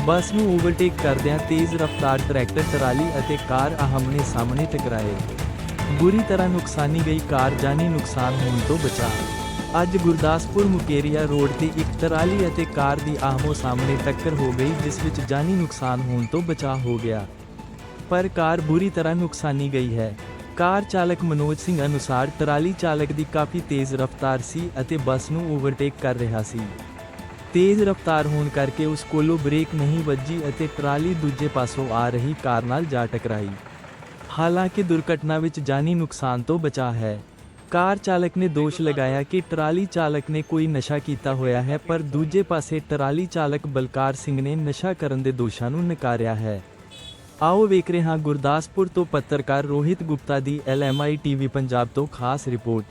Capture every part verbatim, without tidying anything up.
ਬੱਸ ਨੂੰ ਓਵਰਟੇਕ ਕਰਦਿਆਂ ਤੇਜ਼ ਰਫ਼ਤਾਰ ਟਰੈਕਟਰ ਟਰਾਲੀ ਅਤੇ ਕਾਰ ਆਹਮਣੇ ਸਾਹਮਣੇ ਟਕਰਾਏ। ਬੁਰੀ ਤਰ੍ਹਾਂ ਨੁਕਸਾਨੀ ਗਈ ਕਾਰ, ਜਾਨੀ ਨੁਕਸਾਨ ਹੋਣ ਤੋਂ ਬਚਾ। ਅੱਜ ਗੁਰਦਾਸਪੁਰ ਮੁਕੇਰੀਆ ਰੋਡ ਤੇ ਇੱਕ ਟਰਾਲੀ ਅਤੇ ਕਾਰ ਦੀ ਆਹਮੋ ਸਾਹਮਣੇ ਟੱਕਰ ਹੋ ਗਈ, ਜਿਸ ਵਿੱਚ ਜਾਨੀ ਨੁਕਸਾਨ ਹੋਣ ਤੋਂ ਬਚਾ ਹੋ ਗਿਆ, ਪਰ ਕਾਰ ਬੁਰੀ ਤਰ੍ਹਾਂ ਨੁਕਸਾਨੀ ਗਈ ਹੈ। ਕਾਰ ਚਾਲਕ ਮਨੋਜ ਸਿੰਘ ਅਨੁਸਾਰ ਟਰਾਲੀ ਚਾਲਕ ਦੀ ਕਾਫੀ ਤੇਜ਼ ਰਫ਼ਤਾਰ ਸੀ ਅਤੇ ਬੱਸ ਨੂੰ ਓਵਰਟੇਕ ਕਰ ਰਿਹਾ ਸੀ। ਤੇਜ਼ ਰਫ਼ਤਾਰ ਹੋਣ ਕਰਕੇ ਉਸ ਕੋਲੋਂ ਬ੍ਰੇਕ ਨਹੀਂ ਵੱਜੀ ਅਤੇ ਟਰਾਲੀ ਦੂਜੇ ਪਾਸੋਂ ਆ ਰਹੀ ਕਾਰ ਨਾਲ ਜਾ ਟਕਰਾਈ। ਹਾਲਾਂਕਿ ਦੁਰਘਟਨਾ ਵਿੱਚ ਜਾਨੀ ਨੁਕਸਾਨ ਤੋਂ ਬਚਾ ਹੈ। ਕਾਰ ਚਾਲਕ ਨੇ ਦੋਸ਼ ਲਗਾਇਆ ਕਿ ਟਰਾਲੀ ਚਾਲਕ ਨੇ ਕੋਈ ਨਸ਼ਾ ਕੀਤਾ ਹੋਇਆ ਹੈ, ਪਰ ਦੂਜੇ ਪਾਸੇ ਟਰਾਲੀ ਚਾਲਕ ਬਲਕਾਰ ਸਿੰਘ ਨੇ ਨਸ਼ਾ ਕਰਨ ਦੇ ਦੋਸ਼ਾਂ ਨੂੰ ਨਕਾਰਿਆ ਹੈ। ਆਓ ਵੇਖ ਰਹੇ ਹਾਂ ਗੁਰਦਾਸਪੁਰ ਤੋਂ ਪੱਤਰਕਾਰ ਰੋਹਿਤ ਗੁਪਤਾ ਦੀ L M I TV Punjab ਤੋਂ ਖਾਸ ਰਿਪੋਰਟ।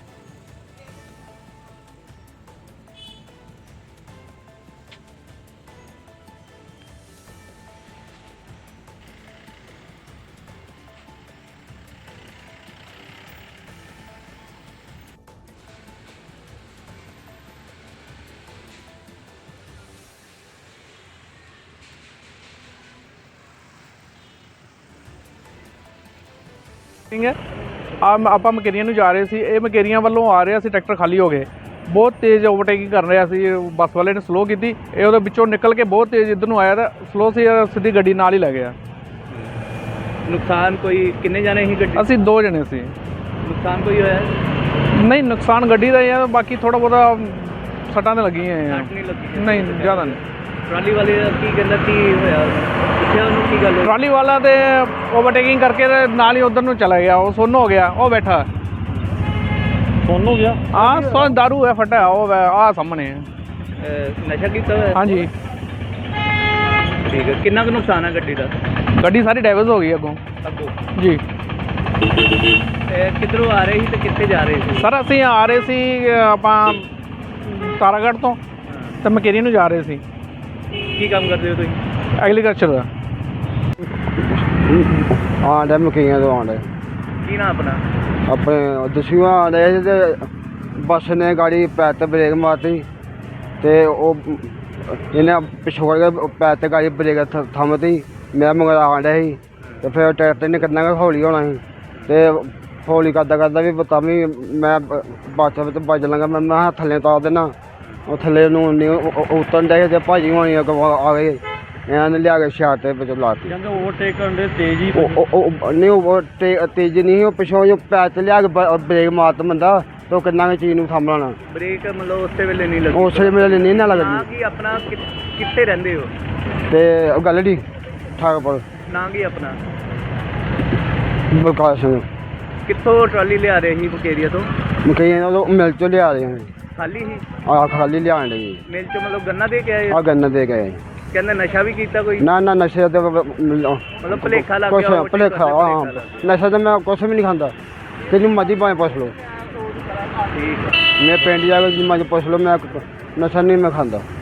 ਸਿੰਘ ਹੈ ਆ ਆਪਾਂ ਮਕੇਰੀਆਂ ਨੂੰ ਜਾ ਰਹੇ ਸੀ। ਇਹ ਮਕੇਰੀਆਂ ਵੱਲੋਂ ਆ ਰਿਹਾ ਸੀ, ਟਰੈਕਟਰ ਖਾਲੀ ਹੋ ਗਏ, ਬਹੁਤ ਤੇਜ਼ ਓਵਰਟੇਕਿੰਗ ਕਰ ਰਿਹਾ ਸੀ। ਬੱਸ ਵਾਲੇ ਨੇ ਸਲੋ ਕੀਤੀ, ਇਹ ਉਹਦੇ ਵਿੱਚੋਂ ਨਿਕਲ ਕੇ ਬਹੁਤ ਤੇਜ਼ ਇੱਧਰ ਨੂੰ ਆਇਆ ਤਾਂ ਸਲੋ ਸੀ, ਸਿੱਧੀ ਗੱਡੀ ਨਾਲ ਹੀ ਲੈ ਗਿਆ। ਨੁਕਸਾਨ ਕੋਈ ਕਿੰਨੇ ਜਾਣੇ ਸੀ ਗੱਡੀ? ਅਸੀਂ ਦੋ ਜਣੇ ਸੀ। ਨੁਕਸਾਨ ਕੋਈ ਹੋਇਆ? ਨਹੀਂ, ਨੁਕਸਾਨ ਗੱਡੀ ਦਾ ਹੀ ਆ, ਬਾਕੀ ਥੋੜਾ ਬਹੁਤਾ ਸੱਟਾਂ ਤੇ ਲੱਗੀਆਂ ਆ। ਸੱਟ ਨਹੀਂ ਲੱਗੀ? ਨਹੀਂ, ਜ਼ਿਆਦਾ ਨਹੀਂ। ਟਰਾਲੀ ਵਾਲੇ ਦਾ ਕੀ ਕਹਿੰਦਾ, ਕੀ ਹੋਇਆ? ਪੁੱਛਿਆ ਉਹਨੂੰ ਕੀ ਗੱਲ ਹੋਈ? ਟਰਾਲੀ ਵਾਲਾ ਤੇ ਓਵਰਟੇਕਿੰਗ ਕਰਕੇ ਤੇ ਨਾਲ ਹੀ ਉਧਰ ਨੂੰ ਚਲਾ ਗਿਆ, ਉਹ ਸੁੰਨ ਹੋ ਗਿਆ, ਉਹ ਬੈਠਾ ਸੁੰਨ ਹੋ ਗਿਆ। ਹਾਂ, ਸੁੰਨ ਦਾਰੂ ਹੈ ਫਟਿਆ, ਉਹ ਆ ਸਾਹਮਣੇ। ਅਹ ਨਸ਼ਾ ਕੀਤਾ ਹੋਇਆ? ਹਾਂਜੀ। ਠੀਕ ਹੈ। ਕਿੰਨਾ ਕੁ ਨੁਕਸਾਨ ਹੈ ਗੱਡੀ ਦਾ? ਗੱਡੀ ਸਾਰੀ ਡੈਮੇਜ ਹੋ ਗਈ ਅੱਗੋਂ। ਅੱਗੋਂ ਜੀ। ਕਿੱਧਰੋਂ ਆ ਰਹੇ ਸੀ ਤੇ ਕਿੱਥੇ ਜਾ ਰਹੇ ਸੀ? ਸਰ ਅਸੀਂ ਆ ਰਹੇ ਸੀ ਆਪਾਂ ਤਾਰਾਗੜ੍ਹ ਤੋਂ ਤੇ ਮਕੇਰੀ ਨੂੰ ਜਾ ਰਹੇ ਸੀ। ਕੀ ਕੰਮ ਕਰਦੇ ਹੋ ਤੁਸੀਂ? ਐਗਰੀਕਲਚਰ ਦਾ। ਹਾਂ ਡੇ ਮਕਈਆਂ ਤੋਂ ਆਉਂਦੇ ਕੀ ਨਾ ਆਪਣਾ? ਆਪਣੇ ਦਸੂਆਂ ਆਉਂਦੇ ਤੇ ਬੱਸ ਨੇ ਗਾੜੀ ਪੈਰ ਤੇ ਬ੍ਰੇਕ ਮਾਰਤੀ ਤੇ ਉਹ ਇਹਨੇ ਪਿਛੋੜ ਕੇ ਪੈਰ ਤੇ ਗਾੜੀ ਬ੍ਰੇਕ ਥੰਮਤੀ। ਮੈਂ ਮਗਰ ਆਉਂਦਾ ਸੀ ਤੇ ਫਿਰ ਟਰੈਕਟਰ ਨੇ ਕਿੰਨਾ ਕੁ ਹੌਲੀ ਹੋਣਾ ਸੀ ਤੇ ਹੌਲੀ ਕਰਦਾ ਕਰਦਾ ਵੀ ਤਾਂ ਵੀ ਮੈਂ ਬੱਸ ਵਿੱਚ ਵੱਜ ਲਾਂਗਾ। ਮੈਂ ਮੈਂ ਥੱਲੇ ਉਤਾਰ ਦੇਣਾ, ਉਹ ਥੱਲੇ ਨੂੰ ਉਤਰਨ ਦੇ ਤੇ ਭਾਜੀ ਹੋਣੀ ਆ ਗਏ, ਇਹਨਾਂ ਨੇ ਲਿਆ ਕੇ ਸ਼ਾਟ ਦੇ ਵਿੱਚ ਲਾਤੀ। ਕਹਿੰਦੇ ਓਵਰਟੇਕ ਕਰਨ ਦੇ ਤੇਜ਼ ਹੀ ਨਹੀਂ, ਉਹ ਤੇਜ਼ ਨਹੀਂ, ਉਹ ਪਿਛੋਂ ਜੋ ਪੈਰ ਤੇ ਲਿਆ ਕੇ ਬ੍ਰੇਕ ਮਾਰਤ ਬੰਦਾ ਤੇ ਉਹ ਕਿੰਨਾ ਕੁ ਚੀਜ਼ ਨੂੰ ਸਾਂਭਣਾ। ਬ੍ਰੇਕ ਮਤਲਬ ਉਸੇ ਵੇਲੇ ਨਹੀਂ ਲੱਗੀ? ਉਸੇ ਵੇਲੇ ਨਹੀਂ ਨਾ ਲੱਗਦੀ। ਕੀ ਆਪਣਾ ਕਿੱਥੇ ਰਹਿੰਦੇ ਹੋ? ਤੇ ਉਹ ਗੱਲ ਦੀ ਠਾਕਪੁਰ। ਨਾਂ ਕੀ ਆਪਣਾ? ਬਲਕਾਰ ਸਿੰਘ। ਕਿੱਥੋਂ ਟਰਾਲੀ ਲਿਆ ਰਹੇ ਸੀ ਮੁਕੇਰੀਆ ਤੋਂ? ਮਕਈਆਂ ਉਹ ਮਿਲ ਚੋਂ ਲਿਆ ਰਹੇ ਖਾਲੀ ਸੀ? ਆ ਖਾਲੀ ਲਿਆਣ ਲਈ। ਮਿਲ ਚੋਂ ਮਤਲਬ ਗੰਨਾ ਦੇ ਕੇ ਆਏ? ਆ ਗੰਨਾ ਦੇ ਕੇ ਆਏ। ਕਹਿੰਦੇ ਨਸ਼ਾ ਵੀ ਕੀਤਾ ਕੋਈ? ਨਾ ਨਾ ਨਸ਼ੇ ਤੇ ਮਤਲਬ ਭੁਲੇਖਾ ਲੱਗ ਕੁਛ ਗਿਆ? ਭੁਲੇਖਾ, ਹਾਂ। ਨਸ਼ਾ ਤਾਂ ਮੈਂ ਕੁਛ ਵੀ ਨਹੀਂ ਖਾਂਦਾ, ਤੈਨੂੰ ਮਰਜ਼ੀ ਭਾਵੇਂ ਪੁੱਛ ਲਓ। ਠੀਕ। ਮੈਂ ਪਿੰਡ ਜਾ ਕੇ ਮਰਜ਼ੀ ਪੁੱਛ ਲਓ, ਮੈਂ ਨਸ਼ਾ ਨਹੀਂ ਮੈਂ ਖਾਂਦਾ।